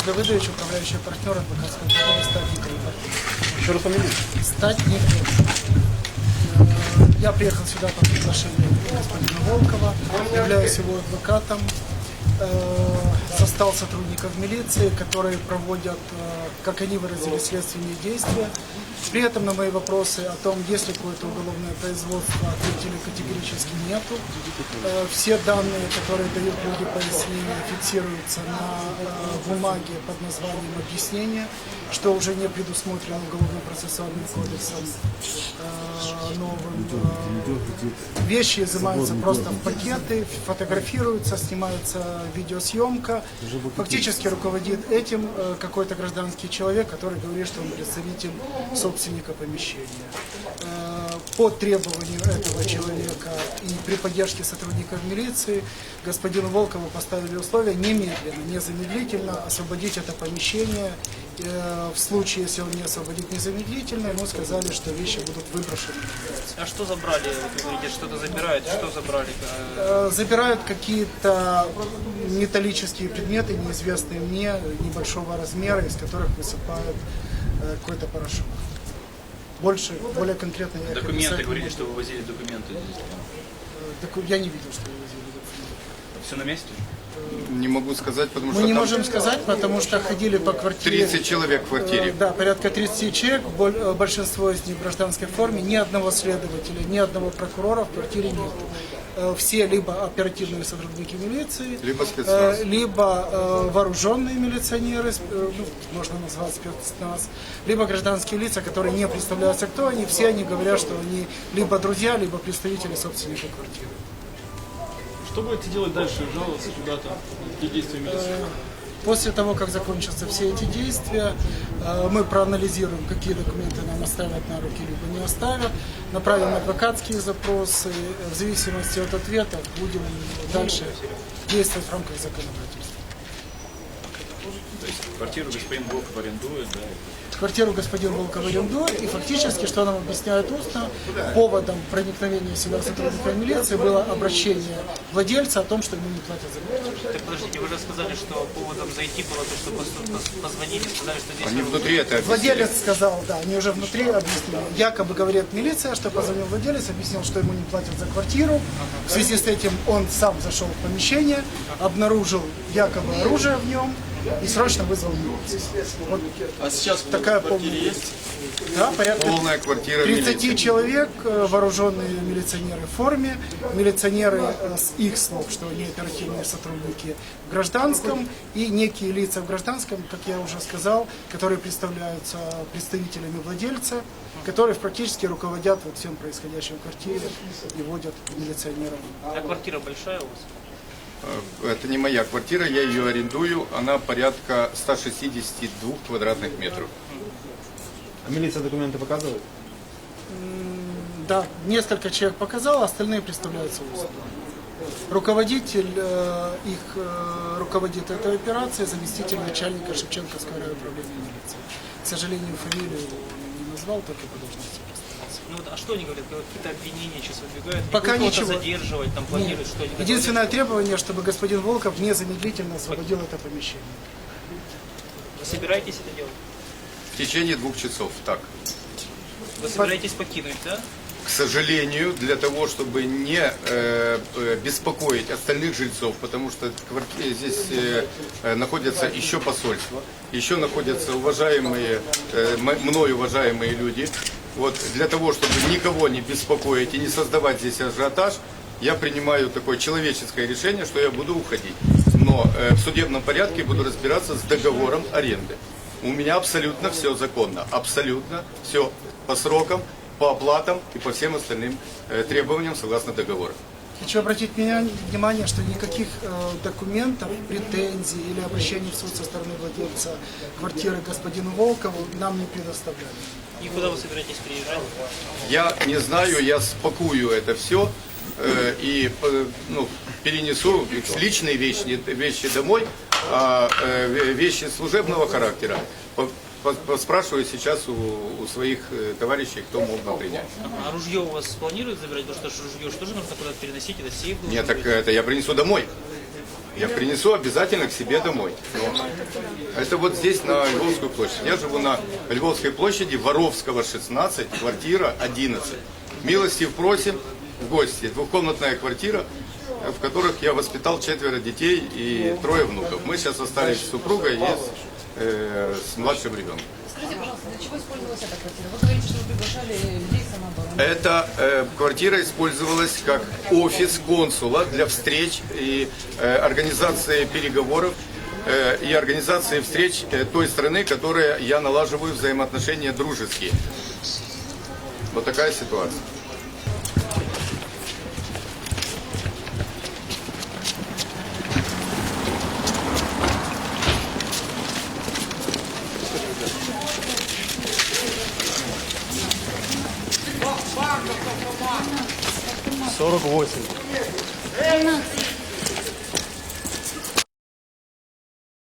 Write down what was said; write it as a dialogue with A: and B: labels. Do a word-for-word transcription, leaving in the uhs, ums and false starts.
A: Ольга Выдович, управляющий партнер адвокатской компании «Статник».
B: Еще раз фамилию.
A: «Статник». Я приехал сюда по приглашению господина Волкова, являюсь его адвокатом. Состав сотрудников милиции, которые проводят, как они выразили, следственные действия. При этом на мои вопросы о том, есть ли какое-то уголовное производство, ответили категорически нету. Все данные, которые дают люди пояснения, фиксируются на бумаге под названием «Объяснение», что уже не предусмотрено Уголовно-процессуальным кодексом новым. Вещи изымаются просто в пакеты, фотографируются, снимается видеосъемка. Фактически руководит этим какой-то гражданский человек, который говорит, что он представитель собственника помещения. По требованию этого человека и при поддержке сотрудников милиции господину Волкову поставили условия немедленно, незамедлительно освободить это помещение. В случае, если он не освободит незамедлительно, ему сказали, что вещи будут выброшены.
C: А что забрали? Вы говорите, что-то забирают. Что забрали?
A: Забирают какие-то металлические предметы, неизвестные мне, небольшого размера, из которых высыпают какой-то порошок. Больше, более конкретно я
C: Документы, говорили, что вы возили документы.
A: Доку... Я не видел, что вы возили документы.
C: Все на месте?
D: Не могу сказать, потому
A: Мы
D: что
A: не
D: там
A: можем сказать, потому что ходили по квартире.
D: тридцать человек в квартире.
A: Да, порядка тридцати человек, большинство из них в гражданской форме, ни одного следователя, ни одного прокурора в квартире нет. Все либо оперативные сотрудники милиции,
D: либо спецназ,
A: либо вооруженные милиционеры, ну, можно назвать спецназ, либо гражданские лица, которые не представляются, кто они. Все они говорят, что они либо друзья, либо представители собственника квартиры.
B: Что будете делать дальше? Жаловаться куда-то? Какие действия милиции?
A: После того, как закончатся все эти действия, мы проанализируем, какие документы нам оставят на руки, либо не оставят, направим адвокатские запросы, в зависимости от ответов будем дальше действовать в рамках законодательства.
C: То есть квартиру господин Волков арендует, да?
A: Квартиру господин Волков арендует, и фактически, что нам объясняют устно, поводом проникновения сюда сотрудников милиции было обращение владельца о том, что ему не платят за квартиру.
C: Так подождите, вы же сказали, что поводом зайти было то, что позвонили, сказали, что здесь...
D: Они внутри это объяснили.
A: Владелец сказал, да, они уже внутри объяснили. Якобы говорит милиция, что позвонил владелец, объяснил, что ему не платят за квартиру. В связи с этим он сам зашел в помещение, обнаружил якобы оружие в нем и срочно вызвал милицию. Вот
B: А сейчас
A: такая полная есть. Да, порядка
D: Полная квартира
A: тридцати
D: милиции.
A: человек, вооруженные милиционеры в форме, милиционеры с их слов, что они оперативные сотрудники в гражданском, и некие лица в гражданском, как я уже сказал, которые представляются представителями владельца, которые практически руководят вот всем происходящим в квартире и водят милиционеров.
C: А квартира большая у вас?
D: Это не моя квартира, я ее арендую, она порядка ста шестидесяти двух квадратных метров.
B: А милиция документы показывает?
A: Да, несколько человек показал, остальные представляются устно. Руководитель э, их э, руководит этой операцией, заместитель начальника Шевченковского райуправления милиции. К сожалению, фамилию он не назвал, только по должности представился.
C: Ну вот, а что они говорят? Какие-то обвинения сейчас выдвигают?
A: Пока
C: Кого-то
A: ничего.
C: задерживать, там планируют, что они
A: Единственное требование, чтобы господин Волков незамедлительно освободил это помещение.
C: Вы собираетесь это делать?
D: В течение двух часов, так.
C: Вы собираетесь покинуть, да?
D: К сожалению, для того, чтобы не э, беспокоить остальных жильцов, потому что в квартире здесь э, находятся еще посольства, еще находятся уважаемые, э, мной уважаемые люди. Вот для того, чтобы никого не беспокоить и не создавать здесь ажиотаж, я принимаю такое человеческое решение, что я буду уходить. Но э, в судебном порядке буду разбираться с договором аренды. У меня абсолютно все законно, абсолютно все по срокам, по оплатам и по всем остальным э, требованиям согласно договору.
A: Хочу обратить меня, внимание, что никаких э, документов, претензий или обращений в суд со стороны владельца квартиры господину Волкову нам не предоставляли.
C: И куда вы собираетесь приезжать?
D: Я не знаю, я спакую это все э, и э, ну, перенесу личные вещи, вещи домой, а э, вещи служебного характера поспрашиваю сейчас у, у своих э, товарищей, кто мог бы принять.
C: А ружье у вас планируют забирать? Потому что ружье что же нужно куда-то переносить? Это сейф должен
D: Нет, так
C: быть?
D: это я принесу домой. я принесу обязательно к себе домой. Но это вот здесь, на Львовскую площадь. Я живу на Львовской площади, Воровского, шестнадцать, квартира одиннадцать. Милости просим в гости. Двухкомнатная квартира, в которых я воспитал четверо детей и трое внуков. Мы сейчас остались с супругой и с, э, с младшим ребенком.
E: Скажите, пожалуйста, для чего использовалась эта квартира? Вы говорите, что вы приглашали людей самообороны.
D: Эта э, квартира использовалась как офис консула для встреч и э, организации переговоров э, и организации встреч э, той страны, которая я налаживаю взаимоотношения дружеские. Вот такая ситуация.
B: сорок восемь.
E: тринадцать.